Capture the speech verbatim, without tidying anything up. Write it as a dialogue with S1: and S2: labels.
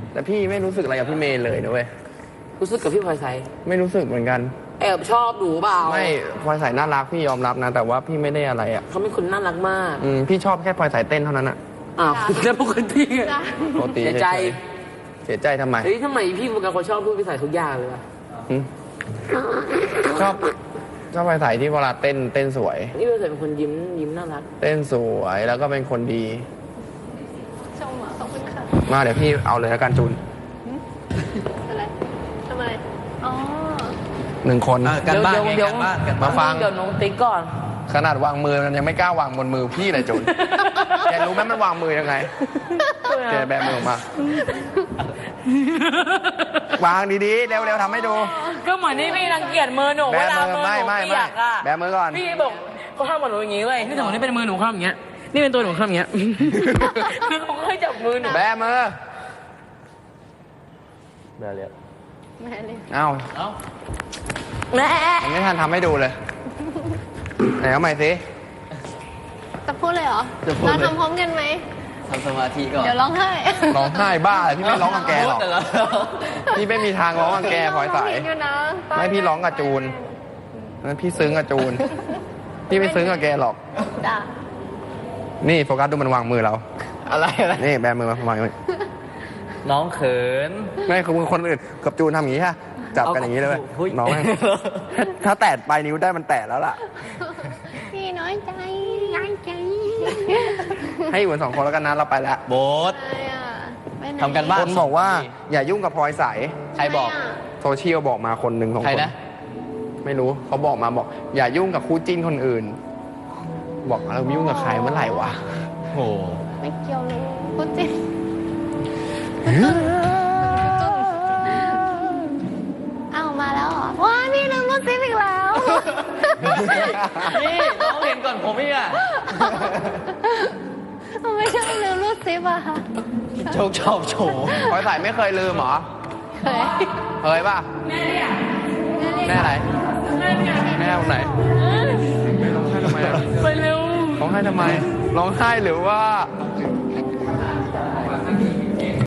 S1: แต่พี่ไม่รู้สึกอะไรกับพี่เมย์เลยนะเว้ย
S2: รู้สึกกับพี่พลอยใส
S1: ไม่รู้สึกเหมือนกัน
S2: แอบชอบหนูเปล่า
S1: ไม่พลอยใสน่ารักพี่ยอมรับนะ แต่ว่าพี่ไม่ได้อะไรอ่ะ
S2: เขาเป็นคนน่ารักมาก
S1: อืมพี่ชอบแค่พลอยใสเต้นเท่านั้นอ่ะ
S2: อ้าวแล้วปกติ
S1: ปกติ
S2: เสียใจ
S1: เสียใจทำไม
S2: เฮ้ยทำไมพี่เป็นคนชอบพูดพี่ใสทุกอย่างเลยวะ
S1: ชอบชอบพลอยใสที่เวลาเต้นเต้นสวย
S2: นี่พี่ใสเป็นคนยิ้มยิ้มน่ารัก
S1: เต้นสวยแล้วก็เป็นคนดี
S3: ชมอ่ะขอบคุณค่ะ
S1: มาเดี๋ยวพี่เอาเลยแล้วกันจูน
S3: อะไรทำไมอ๋อ
S1: หนึ่งคน
S4: กันบ้าน
S2: เดี๋ยว
S4: กันบ้านกัน
S1: มาฟัง
S2: เดี๋ยวน้องติ๊กก่อน
S1: ขนาดวางมือมันยังไม่กล้าวางบนมือพี่เลยจูน แกรู้ไหมมันวางมือยังไงแกแบมือออกมาวางดีๆเร็วๆทำให้ดู
S2: ก็เหมือนนี่พี่รังเกียจมือหนู
S1: แบ
S2: เวลา
S1: มือ
S2: มือ
S1: ไม่
S2: หนู
S1: ไม่
S2: เปี
S1: ไม่
S2: ยกอะ
S1: แบมือก่อน
S2: พี่บอกเขาห้ามหนูอย่างนี้เว้ยนี่สมมตินี่เป็นมือหนูข้ามอย่างเงี้ยนี่เป็นตัวหนูข้ามอย่างเงี้ยคือเขาให้จับมือหนู
S1: แบมือ
S4: เดี๋ยวเรียก
S3: แม่เลย
S1: เอ้า
S4: เอ้า
S2: แม่
S1: ยังไม่ทันทำให้ดูเลยไหนเอาใหม่สิ
S3: จะพูดเลยเหรอเราทำพร้อมกันไหม
S4: ทำสมาธิก่อน
S3: เดี๋ยวร้องไห้
S1: ร้องไห้บ้าเลยพี่ไม่ร้องกับแกหรอก
S4: พูดเหรอ
S1: พี่ไม่มีทางร้องกับแกพลอยใส
S3: อยู่นะ
S1: ไม่พี่ร้องกับจูนนั้นพี่ซึ้งกับจูนพี่ไม่ซึ้งกับแกหรอก
S3: จ้ะ
S1: นี่โฟกัสดูมันวางมือเรา
S4: อะไรอะไร
S1: นี่แบมือมาวางมือ
S4: น้องเขิน
S1: ไม่คือคนอื่นกับจูนทำอย่างนี้ฮะจับกันอย่างนี้เลยเว้ย
S4: เฮ้ย
S1: น้องแม่งถ้าแตะปลายนิ้วได้มันแตะแล้วล่ะ
S3: พี่น้อยใจน้อยใจ
S1: ให้อยู่กันสองคนแล้วกันนะเราไปแล้ว
S4: โบ๊ท
S3: อะไรอ่ะไปไห
S4: ทำกันบ้าน
S1: คนบอกว่าอย่ายุ่งกับพลอยใส
S4: ใครบอก
S1: โซเชียลบอกมาคนหนึ่งของ
S4: ใคร
S1: คน
S4: นะ
S1: ไม่รู้เขาบอกมาบอก อย่ายุ่งกับคู่จิ้นคนอื่น บอกเรายุ่งกับใครเมื่อไหร่วะ
S4: โห
S3: ไม่เกี่ยวเลยพูดจริงอ้าวมาแล้วเหรอว้าพี่ลืมพูดจริงอีกแล้ว
S4: นี่น้องเห็นก่อนผมอีกอ่ะ
S3: ทำไมชอบลืมรูดซิปอะคะ
S4: โชคชอบโชว์
S1: พลอยใสไม่เคยลืมเหรอ
S3: เคย
S1: เคยป่ะ แม่อะไร แม่ตรงไหนร้องไห้ทำไมอะ
S2: ไปเร็ว
S1: ร้องไห้ทำไม ร้องไห้หรือว่า